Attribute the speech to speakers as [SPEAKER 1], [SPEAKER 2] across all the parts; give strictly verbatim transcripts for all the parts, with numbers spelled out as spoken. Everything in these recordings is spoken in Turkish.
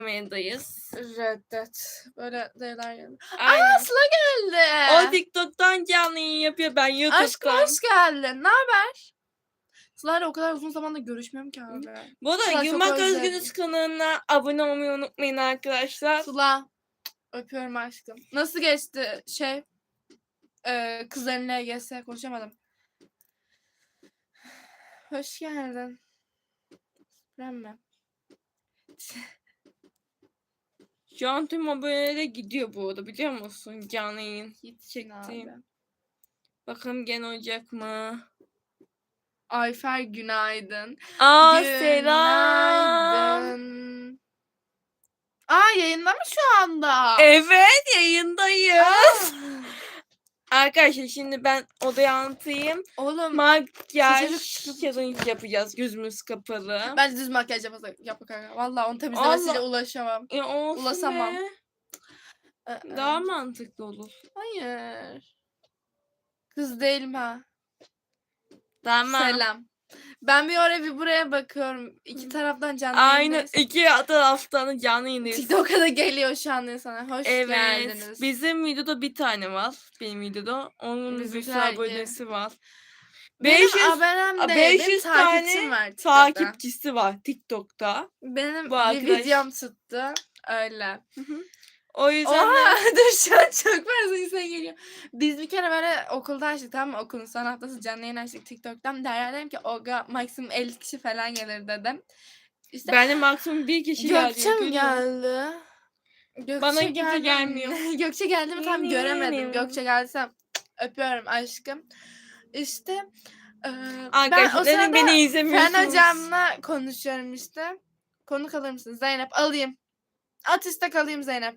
[SPEAKER 1] yayındayız.
[SPEAKER 2] Reddet. Böyle şeyler geldi.
[SPEAKER 1] Aynen.
[SPEAKER 2] Aa Sıla geldi.
[SPEAKER 1] O TikTok'tan canlı yayın yapıyor. Ben YouTube'dan.
[SPEAKER 2] Aşkım hoş geldin. Ne haber? Sıla'yla o kadar uzun zamandır görüşmüyorum ki abi.
[SPEAKER 1] Bu da
[SPEAKER 2] Sıla, çok
[SPEAKER 1] Yumak
[SPEAKER 2] özledim.
[SPEAKER 1] Özgünüz kanalına abone olmayı unutmayın arkadaşlar.
[SPEAKER 2] Sıla. Öpüyorum aşkım. Nasıl geçti şey? Ee, kızların L G S konuşamadım. Hoş geldin. Ben mi?
[SPEAKER 1] Şu an tüm abonelere gidiyor bu arada, biliyor musun? Canlı yayın çektiğim. Bakalım gene olacak mı?
[SPEAKER 2] Ayfer günaydın.
[SPEAKER 1] Aa
[SPEAKER 2] Günaydın.
[SPEAKER 1] selam.
[SPEAKER 2] Aa yayında mı şu anda?
[SPEAKER 1] Evet, yayındayız.
[SPEAKER 2] Aa.
[SPEAKER 1] Arkadaşlar şimdi ben odaya anlatayım.
[SPEAKER 2] Oğlum
[SPEAKER 1] Makyaj
[SPEAKER 2] sıcacık
[SPEAKER 1] challenge yapacağız, gözümüz kapalı.
[SPEAKER 2] ben düz makyaj yapasam yap kanka. Vallahi onu temizlemesiyle
[SPEAKER 1] Allah.
[SPEAKER 2] ulaşamam.
[SPEAKER 1] E, olsun
[SPEAKER 2] Ulaşamam.
[SPEAKER 1] be.
[SPEAKER 2] Aa.
[SPEAKER 1] Daha mantıklı olur.
[SPEAKER 2] Hayır. Kız değilim ha.
[SPEAKER 1] Tamam.
[SPEAKER 2] Selam. Ben bir oraya bir buraya bakıyorum. İki taraftan canlı
[SPEAKER 1] Aynı
[SPEAKER 2] yayındayız.
[SPEAKER 1] iki taraftan canlı yayındayız.
[SPEAKER 2] TikTok'a da geliyor şu an sana. Hoş
[SPEAKER 1] Evet.
[SPEAKER 2] geldiniz.
[SPEAKER 1] Bizim videoda bir tane var. Benim videoda. Onun bir sürü
[SPEAKER 2] Bizimkiler iyi.
[SPEAKER 1] abonesi var.
[SPEAKER 2] Benim
[SPEAKER 1] beş yüz
[SPEAKER 2] abonem değil.
[SPEAKER 1] beş
[SPEAKER 2] Benim
[SPEAKER 1] yüz
[SPEAKER 2] takipçim
[SPEAKER 1] tane
[SPEAKER 2] var TikTok'ta.
[SPEAKER 1] takipçisi var TikTok'ta.
[SPEAKER 2] Benim
[SPEAKER 1] Bu
[SPEAKER 2] bir
[SPEAKER 1] arkadaş.
[SPEAKER 2] videom tuttu. Öyle.
[SPEAKER 1] O yüzden
[SPEAKER 2] Oha
[SPEAKER 1] de
[SPEAKER 2] dur şu an çok fazla insan geliyor. Biz bir kere böyle okulda açtık, tamam mı? Okulun son haftası canlı yayın açtık TikTok'tan. Derya dedim ki Oga maksimum elli kişi falan gelir dedim. İşte
[SPEAKER 1] benim maksimum bir kişi geldi.
[SPEAKER 2] Gökçe mi
[SPEAKER 1] görüyorum.
[SPEAKER 2] geldi? Gökçe
[SPEAKER 1] Bana kimse
[SPEAKER 2] geldi mi?
[SPEAKER 1] gelmiyor.
[SPEAKER 2] Gökçe geldi mi tam göremedim.
[SPEAKER 1] Gelmiyor.
[SPEAKER 2] Gökçe gelsem öpüyorum aşkım. İşte e, ben o
[SPEAKER 1] Arkadaşlar dedim
[SPEAKER 2] sırada
[SPEAKER 1] beni izlemiyorsunuz.
[SPEAKER 2] Fen hocamla konuşuyorum işte. Konuk alır mısın? Zeynep alayım. At iste kalayım Zeynep.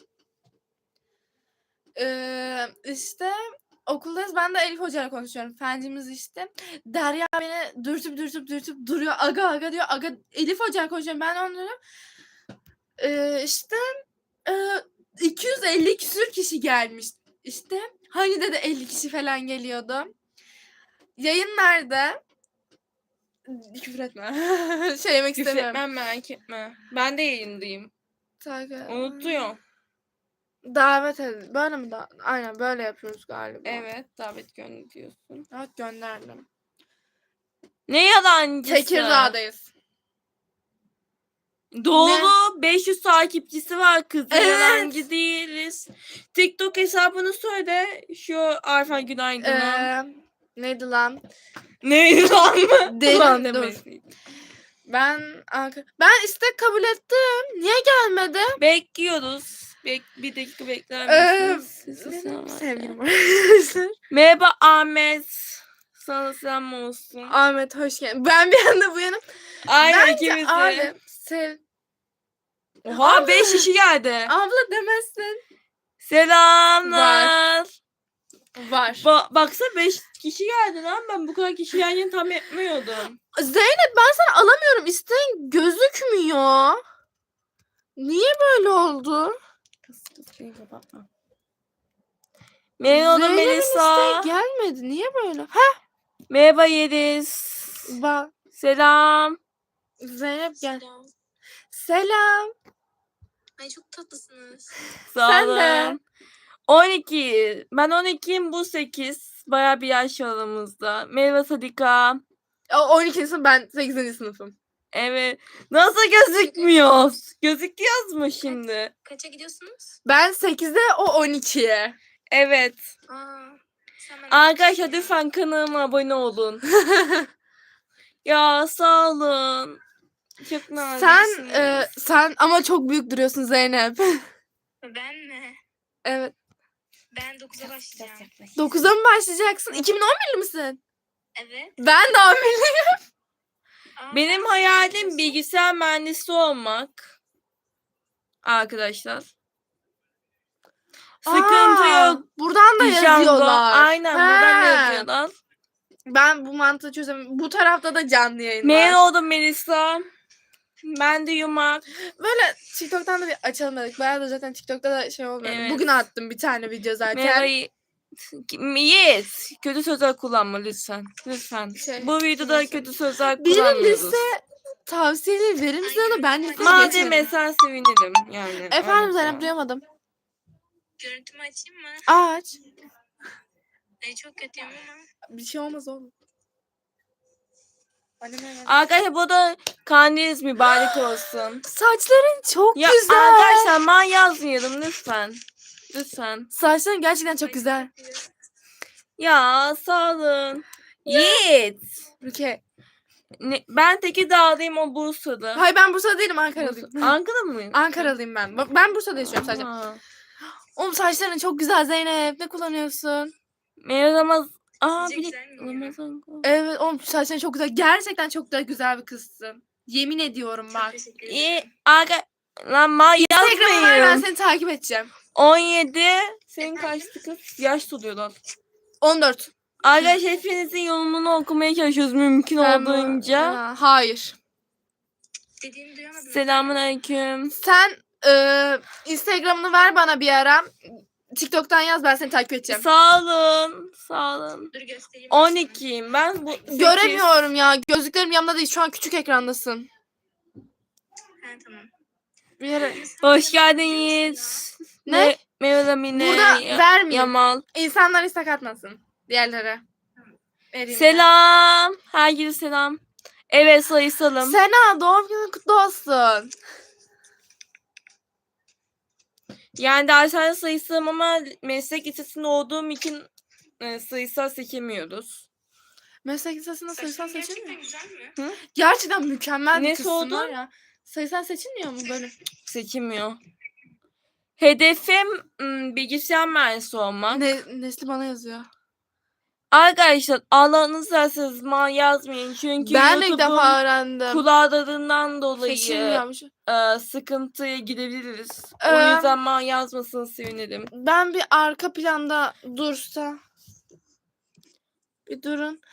[SPEAKER 2] Ee, işte okuldayız. Ben de Elif hocayla konuşuyorum. Fencimiz işte. Derya beni dürtüp dürtüp dürtüp duruyor. Aga aga diyor. Aga Elif hocayla konuşuyorum. Ben onu diyorum. Ee, işte e, iki yüz elli küsür kişi gelmiş. İşte hani dedi elli kişi falan geliyordu. Yayın nerede? Küfür etme. şey yemek
[SPEAKER 1] Küfür
[SPEAKER 2] istemiyorum.
[SPEAKER 1] etmem, merak etme. Ben de yayındayım.
[SPEAKER 2] Takip-
[SPEAKER 1] Unutuyorum.
[SPEAKER 2] Davet edin. Böyle mi? Da- Aynen böyle yapıyoruz galiba.
[SPEAKER 1] Evet, davet gönderiyorsun.
[SPEAKER 2] Evet gönderdim.
[SPEAKER 1] Ne yalancısı?
[SPEAKER 2] Tekirdağ'dayız.
[SPEAKER 1] Doğru. beş yüz takipçisi var kızın.
[SPEAKER 2] Evet.
[SPEAKER 1] Yalancı değiliz. TikTok hesabını söyle. Şu Arfa Günaydın'a.
[SPEAKER 2] Ee, neydi lan?
[SPEAKER 1] Neydi lan mı?
[SPEAKER 2] Deli-
[SPEAKER 1] Ulan
[SPEAKER 2] dur.
[SPEAKER 1] demesin.
[SPEAKER 2] Ben Anka- ben istek kabul ettim. Niye gelmedi?
[SPEAKER 1] Bekliyoruz. Bek bir dakika bekler
[SPEAKER 2] Ee,
[SPEAKER 1] misiniz? Sizi
[SPEAKER 2] benim
[SPEAKER 1] selam.
[SPEAKER 2] sevgilim arkadaşlar.
[SPEAKER 1] Merhaba Ahmet. Sana selam olsun.
[SPEAKER 2] Ahmet hoş geldin. Ben bir anda bu yana.
[SPEAKER 1] Aynen
[SPEAKER 2] Bence
[SPEAKER 1] ikimiz de.
[SPEAKER 2] abi sev.
[SPEAKER 1] Oha beş kişi geldi.
[SPEAKER 2] Abla demezsin.
[SPEAKER 1] Selamlar.
[SPEAKER 2] Var.
[SPEAKER 1] Ba- baksana beş kişi geldi lan, ben bu kadar kişi yan yana tam etmiyordum.
[SPEAKER 2] Zeynep ben sana alamıyorum. İsteğin gözükmüyor. Niye böyle oldu?
[SPEAKER 1] Kız kız beni kapatma. Merhaba
[SPEAKER 2] Zeynep'in
[SPEAKER 1] Melisa.
[SPEAKER 2] isteği gelmedi. Niye böyle? Ha
[SPEAKER 1] Merhaba Yeliz.
[SPEAKER 2] bak.
[SPEAKER 1] Selam.
[SPEAKER 2] Zeynep gel.
[SPEAKER 3] Selam.
[SPEAKER 2] Selam.
[SPEAKER 3] Ay çok tatlısınız.
[SPEAKER 1] Sağ
[SPEAKER 2] Sen
[SPEAKER 1] olun.
[SPEAKER 2] de.
[SPEAKER 1] on iki. Ben on ikiyim, bu sekiz. Bayağı bir yaş aramızda. Merhaba Sadika.
[SPEAKER 2] O on ikinci sınıf, ben sekizinci sınıfım.
[SPEAKER 1] Evet. Nasıl gözükmüyor? Gözüküyoruz mu şimdi?
[SPEAKER 3] Kaça gidiyorsunuz?
[SPEAKER 2] Ben sekizde, o on ikiye.
[SPEAKER 1] Evet.
[SPEAKER 3] Aa, sen benden
[SPEAKER 1] Arkadaşlar
[SPEAKER 3] küçüksün ya.
[SPEAKER 1] lütfen kanalıma abone olun. Ya sağ olun. Çok
[SPEAKER 2] sen
[SPEAKER 1] naziksiniz.
[SPEAKER 2] e, sen ama çok büyük duruyorsun Zeynep.
[SPEAKER 3] Ben mi?
[SPEAKER 2] Evet.
[SPEAKER 3] Ben dokuza başlayacağım.
[SPEAKER 2] dokuza mı başlayacaksın? iki bin on birli misin?
[SPEAKER 3] Evet.
[SPEAKER 2] Ben de on birliyim.
[SPEAKER 3] Aa,
[SPEAKER 1] Benim
[SPEAKER 3] sen
[SPEAKER 1] hayalim
[SPEAKER 3] yapıyorsun.
[SPEAKER 1] bilgisayar mühendisi olmak. Arkadaşlar. Sıkıntı
[SPEAKER 2] Aa,
[SPEAKER 1] yok.
[SPEAKER 2] Buradan da
[SPEAKER 1] Django.
[SPEAKER 2] yazıyorlar.
[SPEAKER 1] Aynen buradan
[SPEAKER 2] He.
[SPEAKER 1] yazıyorlar.
[SPEAKER 2] Ben bu mantığı çözemiyorum. Bu tarafta da canlı yayın var.
[SPEAKER 1] Memnun oldum Melisa. Ben de Yumak.
[SPEAKER 2] Böyle TikTok'tan da bir açalım dedik. Bayağı da zaten TikTok'ta da şey olmuyor.
[SPEAKER 1] Evet.
[SPEAKER 2] Bugün attım bir tane video zaten.
[SPEAKER 1] Merhaba. Yes. Kötü sözler kullanma lütfen. Lütfen.
[SPEAKER 2] Şey,
[SPEAKER 1] Bu videoda
[SPEAKER 2] nasıl?
[SPEAKER 1] kötü sözler
[SPEAKER 2] Birinin
[SPEAKER 1] kullanmıyoruz.
[SPEAKER 2] lise tavsiyeleri verir misin ona? Ben de
[SPEAKER 1] Madem mesela sevinirim yani.
[SPEAKER 2] Efendim
[SPEAKER 1] öyle
[SPEAKER 2] Zeynep
[SPEAKER 1] şey.
[SPEAKER 2] duyamadım.
[SPEAKER 3] Görüntümü açayım mı?
[SPEAKER 2] Aç.
[SPEAKER 3] Ay, çok kötüyüm ama.
[SPEAKER 2] Bir şey olmaz oğlum. Anneme ver.
[SPEAKER 1] Arkadaşlar bu da kandiliniz mübarek olsun.
[SPEAKER 2] Saçların çok
[SPEAKER 1] Ya
[SPEAKER 2] güzel.
[SPEAKER 1] arkadaşlar man yazmayalım lütfen. Lütfen.
[SPEAKER 2] Saçların gerçekten çok
[SPEAKER 3] Ay,
[SPEAKER 2] güzel.
[SPEAKER 3] kötü.
[SPEAKER 1] Ya sağ olun. Yiğit.
[SPEAKER 2] Rukiye.
[SPEAKER 1] Ne, ben Tekirdağ'dayım, o Bursa'da.
[SPEAKER 2] Hayır ben Bursa'da değilim, Ankara'lıyım.
[SPEAKER 1] Bursa- Ankara mı?
[SPEAKER 2] Ankaralıyım ben. Bak, ben Bursa'da yaşıyorum sadece.
[SPEAKER 1] Ha.
[SPEAKER 2] Oğlum saçların çok güzel Zeynep. Ne kullanıyorsun?
[SPEAKER 1] Meğer Ramaz... Aa
[SPEAKER 3] Sizce
[SPEAKER 1] bir
[SPEAKER 3] güzel miyim?
[SPEAKER 1] Ramazan.
[SPEAKER 2] Evet oğlum saçların çok güzel. Gerçekten çok da güzel bir kızsın. Yemin ediyorum
[SPEAKER 3] Çok
[SPEAKER 2] bak.
[SPEAKER 3] teşekkür ederim.
[SPEAKER 1] İyi. Aga... Lan man
[SPEAKER 2] Instagram'a ver, ben
[SPEAKER 1] yazmayın.
[SPEAKER 2] seni takip edeceğim.
[SPEAKER 1] on yedi. Senin kaçtı kız? Yaş tutuyorlar.
[SPEAKER 2] on dört.
[SPEAKER 1] Arkadaşlar hepinizin yorumunu okumaya çalışıyoruz mümkün
[SPEAKER 2] Ben bu-
[SPEAKER 1] olduğunca.
[SPEAKER 2] Aa, hayır.
[SPEAKER 3] Dediğini duyamadım.
[SPEAKER 1] Selamun aleyküm.
[SPEAKER 2] Sen e, Instagram'ını ver bana bir ara. TikTok'tan yaz, ben seni takip edeceğim.
[SPEAKER 1] Sağ olun. Sağ olun.
[SPEAKER 3] Dur göstereyim.
[SPEAKER 1] on ikiyim ben. Bu sekiz.
[SPEAKER 2] Göremiyorum ya. Gözlüklerim yanımda değil. Şu an küçük ekrandasın.
[SPEAKER 3] Ha, tamam.
[SPEAKER 2] Bir yere...
[SPEAKER 1] Hoş geldiniz.
[SPEAKER 2] Ne?
[SPEAKER 1] Mevla Mine.
[SPEAKER 2] Burada
[SPEAKER 1] Ya-
[SPEAKER 2] vermeyeyim.
[SPEAKER 1] Yamal.
[SPEAKER 2] İnsanlar istek atmasın. Diğerlere. Vereyim
[SPEAKER 1] Selam. Herkese selam. Evet
[SPEAKER 2] ben.
[SPEAKER 1] sayısalım.
[SPEAKER 2] Sena doğum günün kutlu olsun.
[SPEAKER 1] Yani dershane sayısalım ama meslek lisesinde olduğum için e, sayısal seçemiyoruz.
[SPEAKER 2] Meslek lisesinde
[SPEAKER 3] Saçın
[SPEAKER 2] sayısal
[SPEAKER 3] gerçekten
[SPEAKER 2] seçilmiyor.
[SPEAKER 3] güzel mi?
[SPEAKER 2] Gerçekten mükemmel bir
[SPEAKER 1] Nesi
[SPEAKER 2] kızsın
[SPEAKER 1] oldu?
[SPEAKER 2] var ya. Sayısal seçilmiyor mu böyle?
[SPEAKER 1] Seçilmiyor. Hedefim m, bilgisayar mühendisi olmak.
[SPEAKER 2] Ne, Nesli bana yazıyor.
[SPEAKER 1] Arkadaşlar Allah'ınızı serseniz man yazmayın. Çünkü
[SPEAKER 2] Ben de ilk
[SPEAKER 1] YouTube'un
[SPEAKER 2] defa öğrendim.
[SPEAKER 1] kulağlarından dolayı
[SPEAKER 2] Seçilmiyormuş.
[SPEAKER 1] e, sıkıntıya girebiliriz. O
[SPEAKER 2] Ee,
[SPEAKER 1] yüzden man yazmasını sevinirim.
[SPEAKER 2] Ben bir arka planda dursa. Bir durun.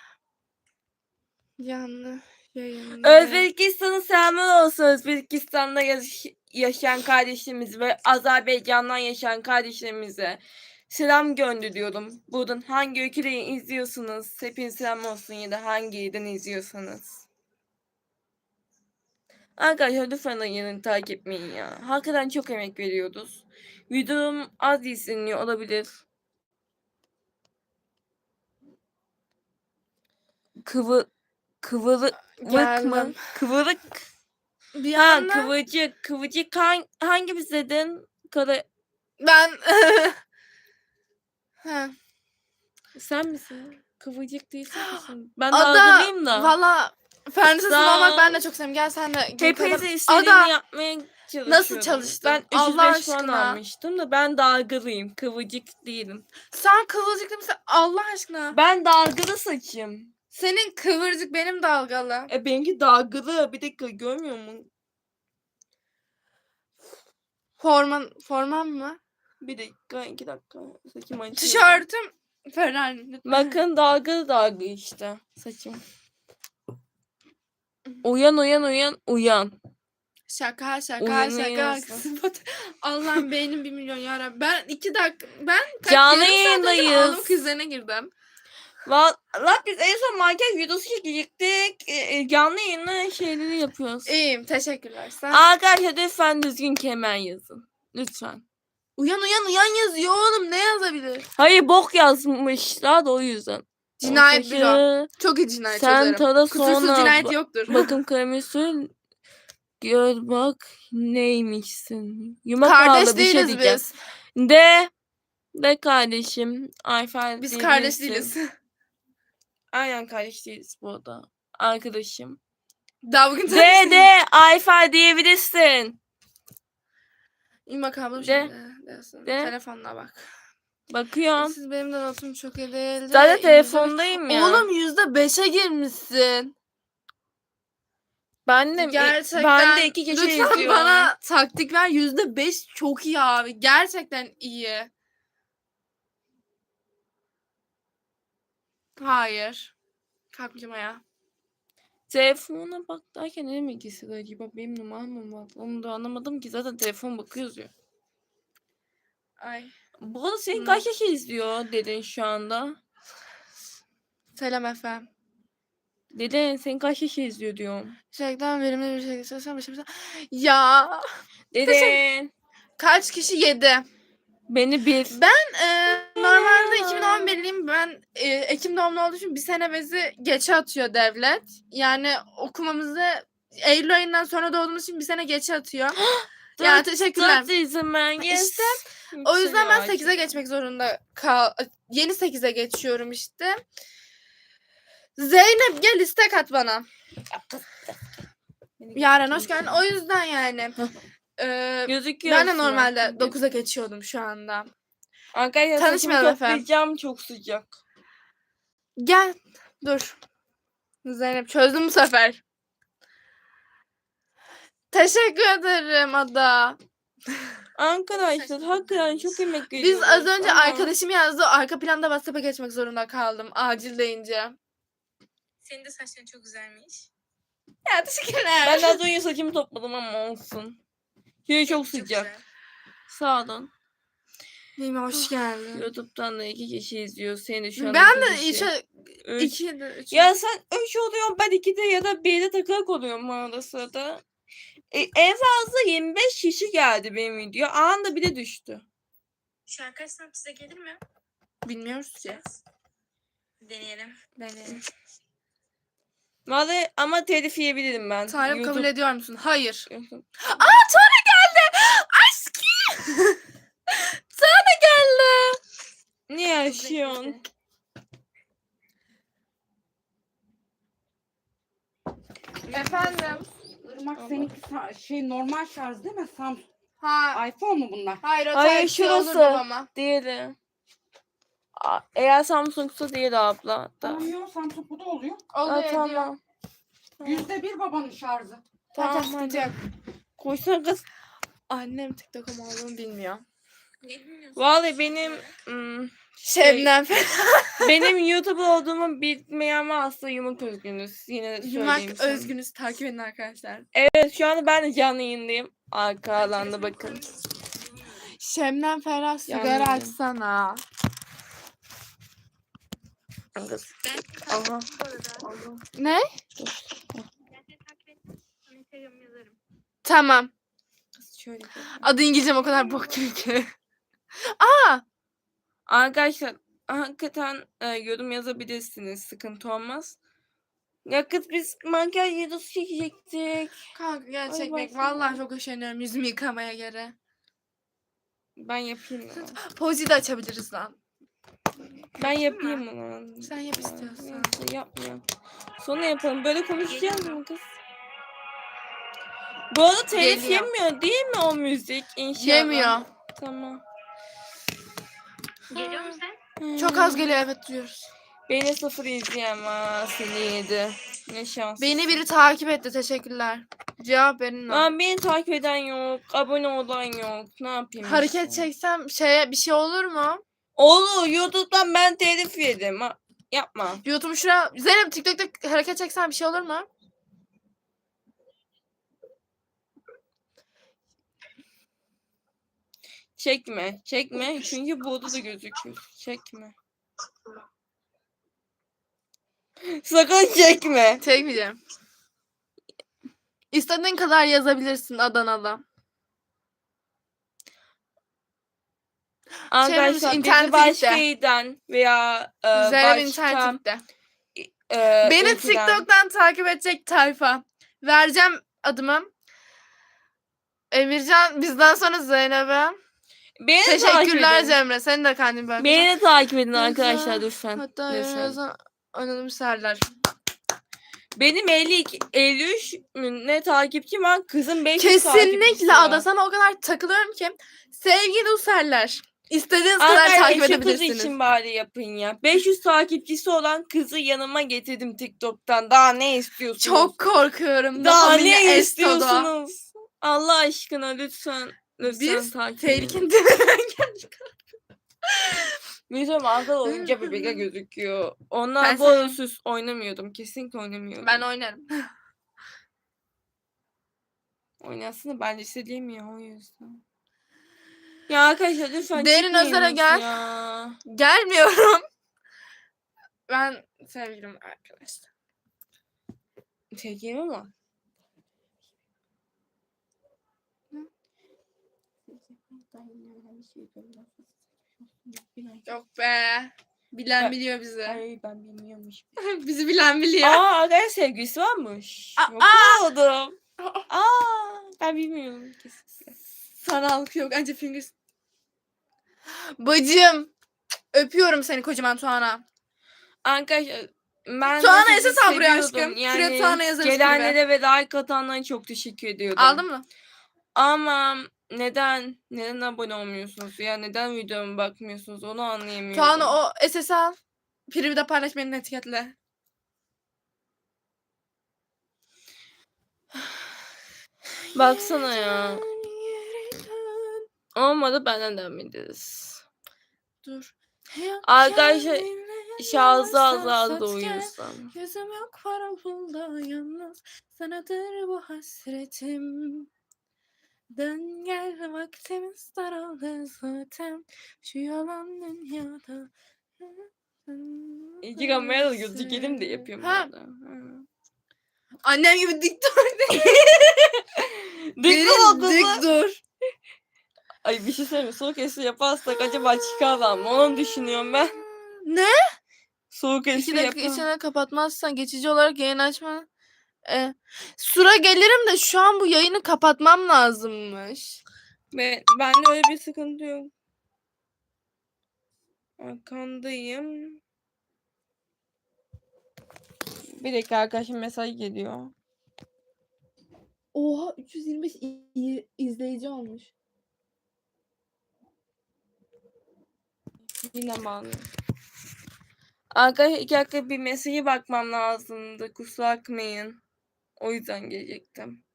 [SPEAKER 2] Yanlı yayında.
[SPEAKER 1] Özbekistan'ın selamı olsun. Özbekistan'da yaş- yaşayan kardeşlerimiz ve Azerbaycan'dan yaşayan kardeşlerimize selam gönderiyorum. Buradan hangi ülkeden izliyorsunuz? Hepinize selam olsun ya da hangi yerden izliyorsanız. Arkadaşlar lütfen yayını takip etmeyin ya. Hakikaten çok emek veriyoruz. Videom az izleniyor olabilir. Kıvı kıvırık mı?
[SPEAKER 2] Geldim.
[SPEAKER 1] Kıvırık.
[SPEAKER 2] Bir
[SPEAKER 1] Ha
[SPEAKER 2] anda
[SPEAKER 1] kıvırcık. Kıvırcık hang, hangimiz dedin? Kara...
[SPEAKER 2] ben ha.
[SPEAKER 1] Sen misin? Kıvırcık değilsin misin? Ben
[SPEAKER 2] Ada
[SPEAKER 1] dalgalıyım da.
[SPEAKER 2] valla fen lisesinde
[SPEAKER 1] Sağ
[SPEAKER 2] olmak ben
[SPEAKER 1] ol.
[SPEAKER 2] de çok seviyorum. Gel sen de. gel
[SPEAKER 1] Hepinize
[SPEAKER 2] kadar-
[SPEAKER 1] istediğimi
[SPEAKER 2] Ada
[SPEAKER 1] yapmaya çalışıyorum.
[SPEAKER 2] nasıl çalıştın?
[SPEAKER 1] Ben
[SPEAKER 2] Allah
[SPEAKER 1] üç yüz beş puan
[SPEAKER 2] aşkına.
[SPEAKER 1] almıştım da ben dalgalıyım. Kıvırcık değilim.
[SPEAKER 2] sen kıvırcıklı mısın? Allah aşkına.
[SPEAKER 1] Ben dalgalı saçım.
[SPEAKER 2] Senin kıvırcık benim dalgalı.
[SPEAKER 1] E benimki dalgalı. Bir dakika görmüyor musun?
[SPEAKER 2] Forman forman mı?
[SPEAKER 1] Bir dakika, iki dakika. Saçım açıyor.
[SPEAKER 2] Tişörtüm Ferrari.
[SPEAKER 1] Bakın dalgalı dalga işte saçım. Uyan uyan uyan uyan.
[SPEAKER 2] Şaka şaka şaka.
[SPEAKER 1] Uyanıyorsun.
[SPEAKER 2] Kızım, Allah'ım beynim bir milyon yarabbim. Ben iki dakika ben kaç
[SPEAKER 1] Canlı
[SPEAKER 2] yarım saat önce
[SPEAKER 1] yayındayız.
[SPEAKER 2] ağlama krizlerine girdim.
[SPEAKER 1] Valla biz en son makyaj videosu çekecektik. E, e, canlı yayınla şeyleri yapıyoruz.
[SPEAKER 2] İyiyim teşekkürler. Sen
[SPEAKER 1] Arkadaşlar lütfen düzgün kemer yazın. Lütfen.
[SPEAKER 2] uyan uyan uyan yazıyor oğlum, ne yazabilir?
[SPEAKER 1] Hayır bok yazmışlar da o yüzden.
[SPEAKER 2] Cinayet
[SPEAKER 1] Ortaşı,
[SPEAKER 2] büro. Çok iyi cinayet
[SPEAKER 1] Sen
[SPEAKER 2] çözerim.
[SPEAKER 1] tada
[SPEAKER 2] Kusursuz
[SPEAKER 1] sonra
[SPEAKER 2] cinayet
[SPEAKER 1] ba-
[SPEAKER 2] yoktur.
[SPEAKER 1] bakım kremi sür. Gör bak neymişsin. Yumak
[SPEAKER 2] Kardeş
[SPEAKER 1] ağlı bir şey
[SPEAKER 2] değiliz
[SPEAKER 1] diyeceğim.
[SPEAKER 2] biz.
[SPEAKER 1] De. De kardeşim. Ayfer
[SPEAKER 2] Biz kardeş
[SPEAKER 1] diyebilirsin.
[SPEAKER 2] değiliz.
[SPEAKER 1] Aynen kardeş değiliz bu arada. Arkadaşım.
[SPEAKER 2] Dalgın
[SPEAKER 1] De de Ayfer diyebilirsin.
[SPEAKER 2] İmak ablam
[SPEAKER 1] De.
[SPEAKER 2] şimdi. Desin.
[SPEAKER 1] De.
[SPEAKER 2] Telefonuna bak.
[SPEAKER 1] Bakıyorum.
[SPEAKER 2] Siz benim de notum çok iyi değil.
[SPEAKER 1] Zaten telefondayım ya.
[SPEAKER 2] Oğlum yüzde beşe girmişsin.
[SPEAKER 1] Ben de,
[SPEAKER 2] Gerçekten.
[SPEAKER 1] ben de iki gece
[SPEAKER 2] Lütfen
[SPEAKER 1] izliyorum.
[SPEAKER 2] bana taktik ver. Yüzde beş çok iyi abi. Gerçekten iyi. Hayır. Kalkmayacağım ayağa.
[SPEAKER 1] Telefona bak derken ne demek istiyor acaba? Benim numaram mı var? Onu da anlamadım ki. Zaten telefon bakıyoruz ya.
[SPEAKER 2] Ay.
[SPEAKER 1] Bu arada senin
[SPEAKER 2] Hı.
[SPEAKER 1] kaç kişi izliyor dedin şu anda?
[SPEAKER 2] Selam efendim.
[SPEAKER 1] Dede sen kaç kişi izliyor diyorum.
[SPEAKER 2] Gerçekten verimli bir şekilde çalışan başımıza. Ya
[SPEAKER 1] Dede
[SPEAKER 2] kaç kişi yedi?
[SPEAKER 1] beni bir.
[SPEAKER 2] Ben e, normalde iki bin on birliyim. Ben e, Ekim doğumlu olduğu için bir sene bezi geçe atıyor devlet. Yani okumamızı Eylül ayından sonra doğduğumuz için bir sene geçe atıyor. Yani teşekkürler.
[SPEAKER 1] Dört izin ben. Yes.
[SPEAKER 2] İşte o yüzden ben
[SPEAKER 1] Yükseliyor
[SPEAKER 2] sekize
[SPEAKER 1] artık.
[SPEAKER 2] geçmek zorunda kal. Yeni sekize geçiyorum işte. Zeynep gel istek at bana. Yaren hoş geldin. O yüzden yani. e,
[SPEAKER 1] Gözüküyor.
[SPEAKER 2] ben de
[SPEAKER 1] aslında.
[SPEAKER 2] normalde dokuza geçiyordum şu anda.
[SPEAKER 1] Arkadaşlar
[SPEAKER 2] Tanışmayalım
[SPEAKER 1] saçımı
[SPEAKER 2] efendim.
[SPEAKER 1] toplayacağım, çok sıcak.
[SPEAKER 2] Gel. Dur. Zeynep çözdüm bu sefer. Teşekkür ederim Ada.
[SPEAKER 1] Arkadaşlar hakikaten çok emek
[SPEAKER 2] Biz
[SPEAKER 1] veriyoruz.
[SPEAKER 2] az önce
[SPEAKER 1] ama
[SPEAKER 2] arkadaşım yazdı. Arka planda WhatsApp'a geçmek zorunda kaldım. Acil deyince.
[SPEAKER 3] Senin de saçların çok güzelmiş.
[SPEAKER 2] Ya teşekkürler.
[SPEAKER 1] Ben de az önce saçımı topladım ama olsun. Şimdi çok
[SPEAKER 3] Çok
[SPEAKER 1] sıcak.
[SPEAKER 3] güzel.
[SPEAKER 1] Sağdan.
[SPEAKER 2] Neyime hoş geldin.
[SPEAKER 1] YouTube'dan da iki kişi izliyor. Seni de şu an
[SPEAKER 2] Ben
[SPEAKER 1] iki
[SPEAKER 2] de
[SPEAKER 1] kişi.
[SPEAKER 2] işe
[SPEAKER 1] Üç.
[SPEAKER 2] iki de üç.
[SPEAKER 1] Ya sen üç oluyorsun, ben ikide ya da birde takılık oluyorum arada sırada. E, en fazla yirmi beş kişi geldi benim video. Anında bir de düştü.
[SPEAKER 3] Şu an kaç saat size gelir mi?
[SPEAKER 2] Bilmiyoruz ki.
[SPEAKER 3] Deneyelim.
[SPEAKER 2] Deneyelim.
[SPEAKER 1] Vallahi ama telif yiyebilirim ben.
[SPEAKER 2] Tarık kabul ediyor musun? Hayır.
[SPEAKER 1] YouTube-
[SPEAKER 2] Aa Tara geldi. Aşkım. Tara geldi.
[SPEAKER 1] Ne yaşıyorsun?
[SPEAKER 2] Efendim.
[SPEAKER 4] Irmak seninki sa- şey normal şarj değil mi? Samsung.
[SPEAKER 2] Ha.
[SPEAKER 4] iPhone mu bunlar?
[SPEAKER 2] Hayır o
[SPEAKER 1] Hayır,
[SPEAKER 2] Type-C
[SPEAKER 1] şurası.
[SPEAKER 2] olurdu ama.
[SPEAKER 1] Diğeri. A- Eğer Samsung'sa diğeri abla. Da.
[SPEAKER 4] Tamam yok Samsung bu da oluyor.
[SPEAKER 2] Oluyor
[SPEAKER 1] Aa,
[SPEAKER 2] ediyor.
[SPEAKER 1] tamam.
[SPEAKER 4] Yüzde bir babanın şarjı.
[SPEAKER 2] Tamam,
[SPEAKER 1] Tamam
[SPEAKER 2] sıkıntı
[SPEAKER 1] hadi.
[SPEAKER 2] yok.
[SPEAKER 1] Koysana kız.
[SPEAKER 2] Annem TikTok'um olduğunu bilmiyor.
[SPEAKER 3] Ne bilmiyorsun?
[SPEAKER 1] Vallahi benim ım,
[SPEAKER 2] Şebnem
[SPEAKER 1] benim YouTube olduğumu bilmeyen varsa yumuk özgünüz. Yine de söyleyeyim
[SPEAKER 2] Yumak
[SPEAKER 1] sana.
[SPEAKER 2] Özgünüz takip edin arkadaşlar.
[SPEAKER 1] Evet şu anda ben de canlı yayındayım. Arka alanda bakın.
[SPEAKER 2] Şebnem Ferah sigara
[SPEAKER 1] Yandım.
[SPEAKER 2] açsana.
[SPEAKER 1] Kız.
[SPEAKER 3] Ben
[SPEAKER 1] Aha.
[SPEAKER 3] bu arada.
[SPEAKER 2] Ne?
[SPEAKER 3] Ben seni takip ettim. Sana Instagram yazarım.
[SPEAKER 2] Tamam.
[SPEAKER 1] Kız şöyle. bir-
[SPEAKER 2] Adı İngilizcem o kadar bok gibi ki.
[SPEAKER 1] Arkadaşlar hakikaten e, yorum yazabilirsiniz. Sıkıntı olmaz. Ya kız biz makyaj videosu çekecektik.
[SPEAKER 2] Kanka gerçekten
[SPEAKER 1] baksana.
[SPEAKER 2] vallahi çok üşeniyorum yüzümü yıkamaya göre.
[SPEAKER 1] Ben yapayım mı?
[SPEAKER 2] Pozi de açabiliriz lan.
[SPEAKER 1] Ben yapayım mı?
[SPEAKER 2] Sen yap istiyorsan.
[SPEAKER 1] Neyse yapmıyorum. Sonra yapalım. Böyle konuşacağız mı kız? Bu arada telif
[SPEAKER 2] Geliyor.
[SPEAKER 1] yemiyor değil mi o müzik? İnşallah.
[SPEAKER 2] Yemiyor.
[SPEAKER 1] Tamam.
[SPEAKER 3] Geliyor musun sen?
[SPEAKER 2] Çok az geliyor evet duyuyoruz.
[SPEAKER 1] Beni sıfır izleyen var. Seni yedi. Ne şans.
[SPEAKER 2] Beni biri takip etti teşekkürler. Cevap verin lan.
[SPEAKER 1] Aa, beni takip eden yok. Abone olan yok. Ne yapayım
[SPEAKER 2] Hareket
[SPEAKER 1] işte?
[SPEAKER 2] çeksem şeye bir şey olur mu?
[SPEAKER 1] Olur. YouTube'dan ben telif yedim. Ha, yapma.
[SPEAKER 2] YouTube şuraya Zeynep TikTok'ta hareket çeksen bir şey olur mu?
[SPEAKER 1] Çekme. Çekme. Çünkü burada da gözüküyor. Çekme. Sakın çekme.
[SPEAKER 2] Çekmeyeceğim. İstediğin kadar yazabilirsin Adanalı.
[SPEAKER 1] Arkadaşlar bizi
[SPEAKER 2] internete
[SPEAKER 1] başka
[SPEAKER 2] gitti.
[SPEAKER 1] ilden veya e,
[SPEAKER 2] Zeynep
[SPEAKER 1] başka
[SPEAKER 2] internette.
[SPEAKER 1] e,
[SPEAKER 2] Beni
[SPEAKER 1] ülkeden-
[SPEAKER 2] TikTok'tan takip edecek tayfa. Vereceğim adımı. Emircan bizden sonra Zeynep'e.
[SPEAKER 1] Beni de takip
[SPEAKER 2] Teşekkürler
[SPEAKER 1] edin.
[SPEAKER 2] Cemre. Senin de kendin böyle.
[SPEAKER 1] Beni de takip edin
[SPEAKER 2] Yazan-
[SPEAKER 1] arkadaşlar lütfen.
[SPEAKER 2] Hatta
[SPEAKER 1] lütfen.
[SPEAKER 2] yazan anonim serler.
[SPEAKER 1] Benim elli iki, elli üç mü ne takipçim var. Kızın beş yüz takipçisi
[SPEAKER 2] Kesinlikle
[SPEAKER 1] var.
[SPEAKER 2] Ada sana o kadar takılıyorum ki. Sevgili Userler. İstediğiniz kadar
[SPEAKER 1] Arkadaşlar
[SPEAKER 2] takip
[SPEAKER 1] şu kız
[SPEAKER 2] edebilirsiniz.
[SPEAKER 1] için bari yapın ya. beş yüz takipçisi olan kızı yanıma getirdim TikTok'tan. Daha ne istiyorsunuz?
[SPEAKER 2] Çok korkuyorum.
[SPEAKER 1] Daha
[SPEAKER 2] Familya
[SPEAKER 1] ne
[SPEAKER 2] Esto'da.
[SPEAKER 1] istiyorsunuz? Allah aşkına lütfen. Lütfen
[SPEAKER 2] Biz
[SPEAKER 1] takip edin.
[SPEAKER 2] tehlikenin dibinden geldik.
[SPEAKER 1] Bizim arkada oyuncak bebekler gözüküyor. Onlar
[SPEAKER 2] Ben
[SPEAKER 1] bu arada süs oynamıyordum. Kesinlikle oynamıyordum.
[SPEAKER 2] Ben oynarım.
[SPEAKER 1] Oynasın da ben istediğim ya o yüzden. Ya arkadaşlar lütfen
[SPEAKER 2] Derin
[SPEAKER 1] çıkmayınız
[SPEAKER 2] Özer'e gel.
[SPEAKER 1] Ya.
[SPEAKER 2] Gelmiyorum. Ben sevgilim arkadaşlar.
[SPEAKER 1] Çekeyim ama.
[SPEAKER 2] Yok be. Bilen
[SPEAKER 1] Ben-
[SPEAKER 2] biliyor bizi.
[SPEAKER 1] Ay ben bilmiyormuş.
[SPEAKER 2] Bizi bilen biliyor.
[SPEAKER 1] Aa arkadaş sevgilisi varmış.
[SPEAKER 2] Aa,
[SPEAKER 1] Yok oldum. Aa ben bilmiyorum. Kesinlikle.
[SPEAKER 2] Sanallık yok. Anca fingers. Bacım. Öpüyorum seni kocaman Tuana.
[SPEAKER 1] Arkadaşlar ben
[SPEAKER 2] Tuana
[SPEAKER 1] de sizi
[SPEAKER 2] ese sal buraya
[SPEAKER 1] seviyordum.
[SPEAKER 2] aşkım. Şuraya Tuana yazarız
[SPEAKER 1] gelenlere ve like atanlara çok teşekkür ediyordum.
[SPEAKER 2] Aldın mı?
[SPEAKER 1] Ama neden neden abone olmuyorsunuz ya neden videoma bakmıyorsunuz onu anlayamıyorum.
[SPEAKER 2] Tuana o S S al. Privi paylaş beni etiketle.
[SPEAKER 1] Baksana ya. Olmadı benden devam ederiz.
[SPEAKER 2] Dur.
[SPEAKER 1] Arkadaşlar şahsı azaldı
[SPEAKER 2] azaldı
[SPEAKER 1] da uyuyorsam.
[SPEAKER 2] Gözüm yok para pulda yalnız. Sanadır bu hasretim. Dön gel vaktimiz daraldı zaten. Şu yalan dünyada.
[SPEAKER 1] İki kameraya da gözükelim de yapıyorum.
[SPEAKER 2] Ha.
[SPEAKER 1] burada. Ha.
[SPEAKER 2] Annem gibi dik dur.
[SPEAKER 1] Dik
[SPEAKER 2] Derin,
[SPEAKER 1] dur kızım.
[SPEAKER 2] dik dur.
[SPEAKER 1] Ay bir şey söyleyeyim. Soğuk esi yaparsak acaba çıkarlar mı? Onu düşünüyorum ben.
[SPEAKER 2] Ne?
[SPEAKER 1] Soğuk esi
[SPEAKER 2] İki dakika
[SPEAKER 1] yapar.
[SPEAKER 2] içine kapatmazsan geçici olarak yayın açma. E, Sura gelirim de şu an bu yayını kapatmam lazımmış.
[SPEAKER 1] Ve bende öyle bir sıkıntı yok. Arkandayım. Bir dakika arkadaşım mesaj geliyor.
[SPEAKER 2] Oha üç yüz yirmi beş i- izleyici olmuş.
[SPEAKER 1] Yine bağlı. Arkadaşlar iki dakika bir mesajı bakmam lazımdı. Kusura bakmayın. O yüzden gelecektim.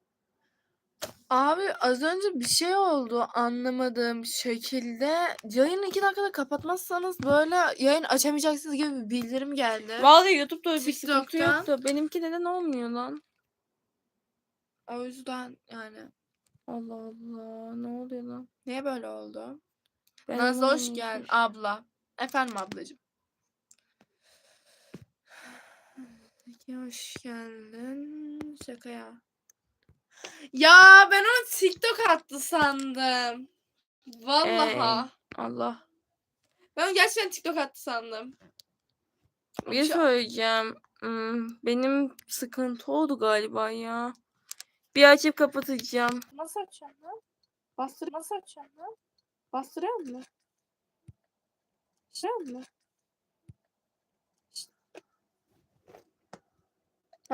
[SPEAKER 2] Abi az önce bir şey oldu anlamadığım şekilde. Yayını iki dakikada kapatmazsanız böyle yayın açamayacaksınız gibi bir bildirim geldi.
[SPEAKER 1] Vallahi YouTube'da öyle bir sıkıntı
[SPEAKER 2] TikTok'ta.
[SPEAKER 1] yoktu. Benimki neden olmuyor lan?
[SPEAKER 2] O yüzden yani.
[SPEAKER 1] Allah Allah. Ne oluyor lan?
[SPEAKER 2] Niye böyle oldu?
[SPEAKER 1] Ben
[SPEAKER 2] Nazlı hoş
[SPEAKER 1] anlamadım.
[SPEAKER 2] geldin abla. Efendim ablacığım. Peki hoş geldin. Şaka ya. Ya ben onu TikTok attı sandım. Vallahi.
[SPEAKER 1] Allah.
[SPEAKER 2] Ben onu gerçekten TikTok attı sandım.
[SPEAKER 1] Bir şey söyleyeceğim. Hmm, benim sıkıntı oldu galiba ya. Bir açıp kapatacağım.
[SPEAKER 2] Nasıl açacağım lan? Bastır nasıl açacağım lan? Bastırıyor mu? Şey mi?